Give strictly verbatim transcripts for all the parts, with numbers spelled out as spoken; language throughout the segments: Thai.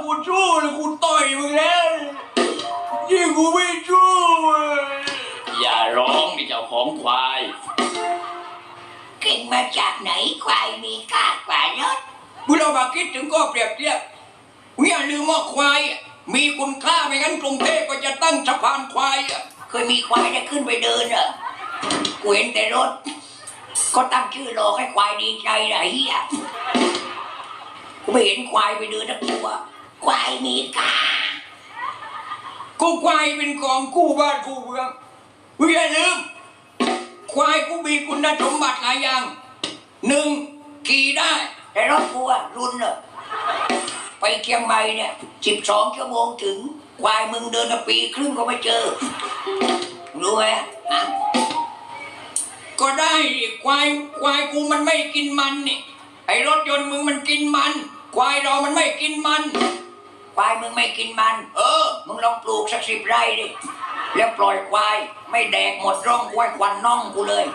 กูสู้เลยกูต่อยมึงแล้วยิ่งกูไม่สู้อย่าร้องนี่เจ้าของควายเก่งมาจากไหนควายมีค่ากว่ารถมึงเรามาคิดถึงก็เปรียบเทียบมึงอย่าลืมว่าควายมีคุณค่าไม่งั้นกรุงเทพก็จะตั้งสะพานควายเคยมีควายได้ขึ้นไปเดินเหรอกูเห็นแต่รถก็ตั้งชื่อรอให้ควายดีใจนะเฮียกูไม่เห็นควายไปเดินทั้งตัวควายมีค่ากูควายเป็นของคู่บ้านคู่เมืองมึงอย่าลืมควายกูมีคุณสมบัติหลายอย่างหนึ่งขี่ได้แต่รถกูอะรุ่นเนอะไปเชียงใหม่เนี่ยสิบสองชั่วโมงถึงควายมึงเดินมาปีครึ่งก็ไม่เจอรู้ไหมฮะก็ได้ควายควายกูมันไม่กินมันนี่ไอ้รถยนต์มึงมันกินมันควายเรามันไม่กินมันควายมึงไม่กินมันเออมึงลองปลูกสักสิบไร่ดิแล้วปล่อยควายไม่แดกหมดร่องควายควันน่องกูเลย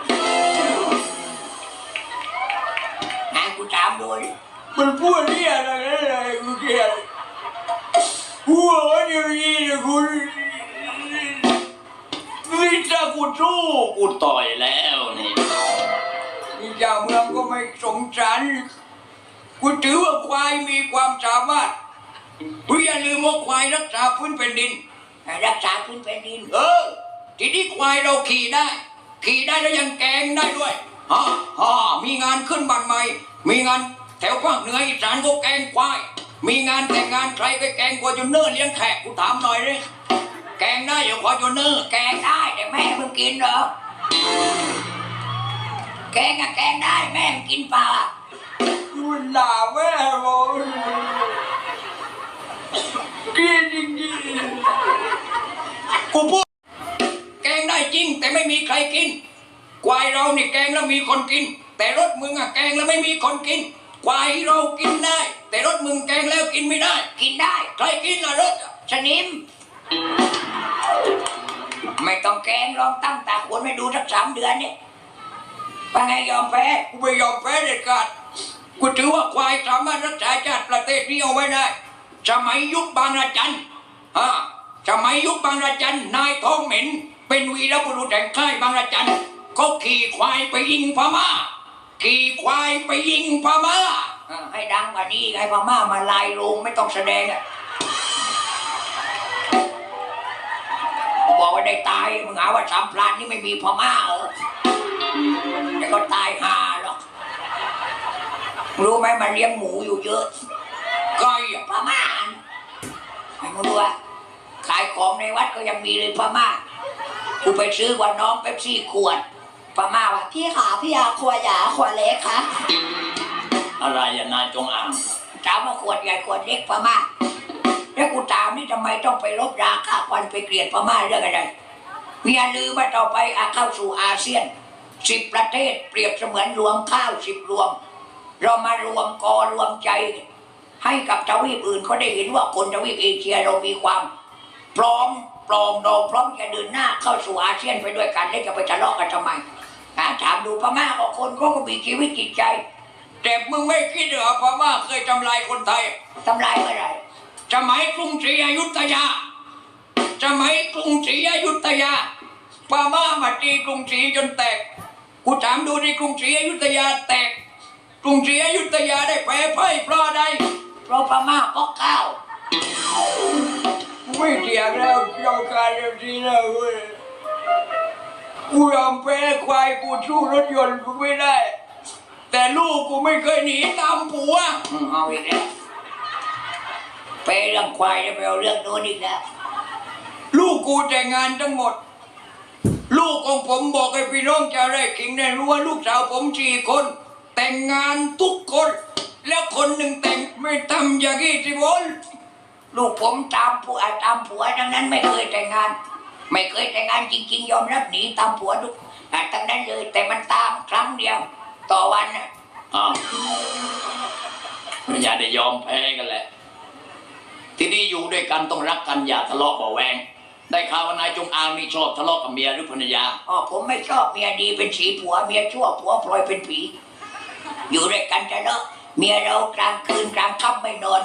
นะกูถามดูมันพูดเรี่ยอะไรอะไรกูเกลียดกูว่าอย่างนี้นะกูนี่จะกูสู้กูต่อยแล้วนี่นี่เจ้าเมืองก็ไม่สงสารกูถือว่าควายมีความสามารถกูอย่าลืมว่าควายรักษาพื้นแผ่นดินรักษาพื้นแผ่นดินเออทีนี้ควายเราขี่ได้ขี่ได้แล้วยังแกงได้ด้วยฮ่าฮ่ามีงานขึ้นบ้านใหม่มีงานแถวภาคเหนืออีสานก็แกงควายมีงานแต่งงานใครไปแกงควายจนเนื้อเลี้ยงแขกกูถามหน่อยเลยแกงได้อย่าควายจนเนื้อแกงได้แต่แม่มึงกินเหรอแกงอะแกงได้แม่มึงกินปลากูด่าแม่บอกกินจริงๆกูพูดแกงได้จริงแต่ไม่มีใครกินควายเราเนี่ยแกงแล้วมีคนกินแต่รถมึงอะแกงแล้วไม่มีคนกินควายเรากินได้แต่รถมึงแกงแล้วกินไม่ได้กินได้ใครกินล่ะรถชนิมไม่ต้องแกงลองตั้งตาขวนไม่ดูสักสามเดือนเนี่ยว่าไงยอมแพ้กูไม่ยอมแพ้เด็ดขาดกูถือว่าควายสามารถรักษาชาติประเทศนี้เอาไว้ได้สมัยยุคบางระจันฮะสมัยยุคบางระจันนายทองเหม็นเป็นวีรบุรุษแห่งค่ายบางระจันเขาขี่ควายไปยิงพม่าขี่ควายไปยิงพม่าให้ดังกว่านี้ให้พม่ามาลายโรงไม่ต้องแสดงอ่ะบอกว่าได้ตายมึงหาว่าสามพลานนี่ไม่มีพม่าเหรอแต่ก็ตายห่าหรอกรู้ไหมมันเลี้ยงหมูอยู่เยอะใครพม่าไอ้มึงดูว่าขายของในวัดก็ยังมีเลยพม่ากูไปซื้อว่าน้องเป๊ปซี่ขวดพม่าว่าพี่ขาพี่ยาขวดใหญ่ขวดเล็กคะอะไรอย่านายจงอ่างถามว่าขวดใหญ่ขวดเล็กพม่าแล้วกูถามนี่ทำไมต้องไปลบราค่าควันไปเกลียดพม่าเรื่องอะไรอย่าลืมว่าต่อไปอาเข้าสู่อาเซียนสิบประเทศเปรียบเสมือนรวมข้าวสิบรวมเรามารวมกอรวมใจให้กับทวีปอื่นเขาได้เห็นว่าคนทวีปเอเชียเรามีความพร้อมปลองดองพร้อมจะเดินหน้าเข้าสู่อาเซียนไปด้วยกันแล้วจะไปทะเลาะกันทำไมถามดูพม่าก็คนเขาก็มีชีวิตจิตใจแต่มึงไม่คิดเหรอพม่าเคยทำลายคนไทยทำลายเมื่อไหร่สมัยกรุงศรีอยุธยาสมัยกรุงศรีอยุธยาพม่ามาตีกรุงศรีจนแตกกูถามดูในกรุงศรีอยุธยาแตกกรุงศรีอยุธยาได้แพ้พ่ายเพราะใดเพราะพม่าก็ข้าวไม่เถียงแล้วยอมการอย่างนี้แล้วเว้ยกูยอมแพ้ควายกูสู้รถยนต์กูไม่ได้แต่ลูกกูไม่เคยหนีตามผัวเอาอีกแล้วไปเรื่องควายแล้วไปเอาเรื่องโน้นอีกแล้วลูกกูแต่งงานทั้งหมดลูกของผมบอกให้พี่น้องชาวไร่ขิงได้รู้ว่าลูกสาวผมสี่คนแต่งงานทุกคนแล้วคนหนึ่งแต่งไม่ทำอย่างนี้สิบนลูกผมตามผัวตามผัวดังนั้นไม่เคยแต่งงานไม่เคยแต่งงานจริงๆยอมรับหนีตามผัวทุกทั้งนั้นเลยแต่มันตามครั้งเดียวต่อวันน่ะอ้าวอย่าได้ยอมแพ้กันแหละที่นี่อยู่ด้วยกันต้องรักกันอย่าทะเลาะเบาแวงได้ข่าวว่านายจงอางนี่ชอบทะเลาะกับเมียหรือภรรยาอ๋อผมไม่ชอบเมียดีเป็นสีผัวเมียชั่วผัวพลอยเป็นผีอยู่ด้วยกันทะเลาะเมียเรากลางคืนกลางค่ำไม่นอน